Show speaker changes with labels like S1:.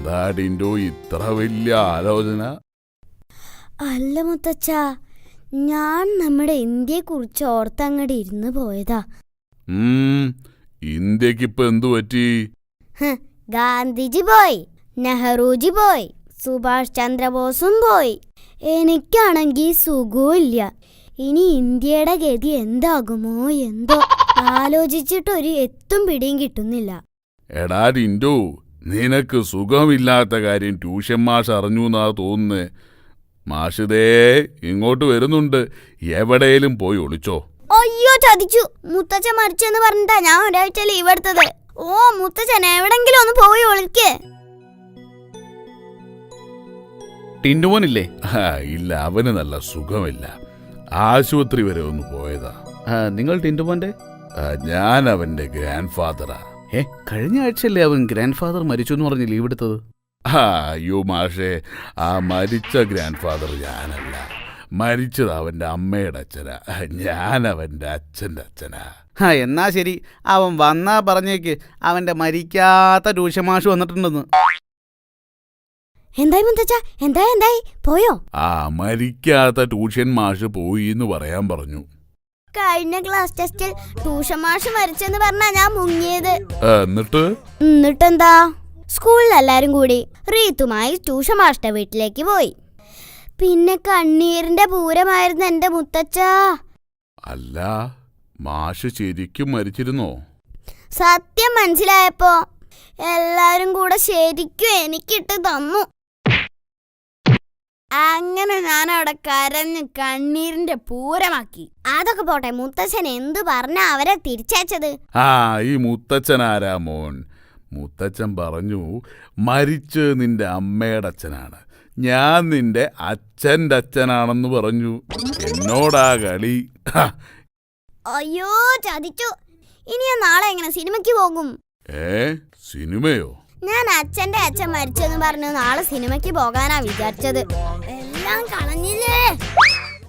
S1: എന്താടിൻ്റെ ഇത്ര വലിയ ആലോചന?
S2: അല്ല മുത്തച്ഛ, ഞാൻ നമ്മുടെ ഇന്ത്യയെക്കുറിച്ച് ഓർത്തങ്ങടെ ഇരുന്ന് പോയതാ.
S1: ഇന്ത്യക്കിപ്പോ എന്തു പറ്റി?
S2: ഗാന്ധിജി പോയി, നെഹ്റുജി പോയി, സുഭാഷ് ചന്ദ്രബോസും പോയി. എനിക്കാണെങ്കിൽ സുഖമില്ല. ഇനി ഇന്ത്യയുടെ ഗതി എന്താകുമോ എന്തോ. ആലോചിച്ചിട്ടൊരു എത്തും പിടിയും കിട്ടുന്നില്ല.
S1: എടാ ടിൻഡു, നിനക്ക് സുഖമില്ലാത്ത കാര്യം ട്യൂഷൻ മാഷ് അറിഞ്ഞു എന്നാ തോന്നുന്നേ. മാഷിതേ ഇങ്ങോട്ട് വരുന്നുണ്ട്. എവിടെയും പോയി ഒളിച്ചോ.
S2: അയ്യോ, ചതിച്ചു. മുത്തച്ഛൻ മരിച്ചെന്ന് പറഞ്ഞിട്ടാ ഞാൻ ഒരാഴ്ച ലീവ് എടുത്തത്. ഓ മുത്തച്ഛൻ, എവിടെങ്കിലും ഒന്ന് പോയി ഒളിക്കേ.
S3: ടിൻഡുമോനില്ലേ?
S1: ഇല്ല, അവന് നല്ല സുഖമില്ല. ആശുപത്രി വരെ ഒന്ന് പോയതാ.
S3: നിങ്ങൾ ടിൻഡുമോന്റെ?
S1: ഞാൻ അവന്റെ ഗ്രാൻഡ് ഫാദറാ.
S3: കഴിഞ്ഞ ആഴ്ചയല്ലേ അവൻ ഗ്രാൻഡ് ഫാദർ മരിച്ചു എന്ന് പറഞ്ഞ് ലീവ് എടുത്തത്?
S1: അയ്യോ മാഷേ, ആ മരിച്ച ഗ്രാൻഡ് ഫാദർ ഞാനല്ല. മരിച്ചത് അവന്റെ അമ്മയുടെ അച്ഛനാ. ഞാൻ അവന്റെ അച്ഛൻ്റെ അച്ഛനാ.
S3: എന്നാ ശരി, അവൻ വന്നാ പറഞ്ഞേക്ക് അവന്റെ മരിക്കാത്ത ട്യൂഷൻ മാഷ് വന്നിട്ടുണ്ടെന്ന്.
S2: എന്തായി മുത്തച്ഛ, എന്തായി പോയോ?
S1: മരിക്കാത്ത ട്യൂഷൻ മാഷ് പോയി എന്ന് പറയാൻ പറഞ്ഞു.
S2: കഴിഞ്ഞ ക്ലാസ് ടെസ്റ്റിൽ ട്യൂഷൻ മാഷ് മരിച്ചെന്ന് പറഞ്ഞാ ഞാൻ മുങ്ങിയത്.
S1: എന്നിട്ടെന്താ?
S2: സ്കൂളിൽ എല്ലാരും കൂടി റീത്തുമായി ട്യൂഷൻ മാഷിന്റെ വീട്ടിലേക്ക് പോയി. പിന്നെ കണ്ണീരിന്റെ പൂരമായിരുന്നു എന്റെ മുത്തച്ഛ.
S1: അല്ല, മാഷ് ശരിക്കും മരിച്ചിരുന്നോ?
S2: സത്യം മനസ്സിലായപ്പോ എല്ലാരും കൂടെ ശരിക്കും എനിക്കിട്ട് തന്നു. അങ്ങനെ ഞാൻ അവിടെ കരഞ്ഞ് കണ്ണീരിന്റെ പൂരമാക്കി. അതൊക്കെ പോട്ടെ, മുത്തച്ഛൻ എന്തു പറഞ്ഞാ അവരെ തിരിച്ചയച്ചത്?
S1: ഈ മുത്തച്ഛൻ ആരാ മോൻ? മുത്തച്ഛൻ പറഞ്ഞു മരിച്ച് നിന്റെ അമ്മയുടെ അച്ഛനാണ്, ഞാൻ നിന്റെ അച്ഛൻ്റെ അച്ഛനാണെന്ന് പറഞ്ഞു. എന്നോടാ കളി.
S2: അയ്യോ ചതിച്ചു. ഇനി ഞാൻ നാളെ എങ്ങനെ സിനിമയ്ക്ക് പോകും?
S1: സിനിമയോ?
S2: ഞാൻ അച്ഛന്റെ അച്ഛൻ മരിച്ചെന്ന് പറഞ്ഞു നാളെ സിനിമയ്ക്ക് പോകാനാ വിചാരിച്ചത്. എല്ലാം കളഞ്ഞില്ലേ.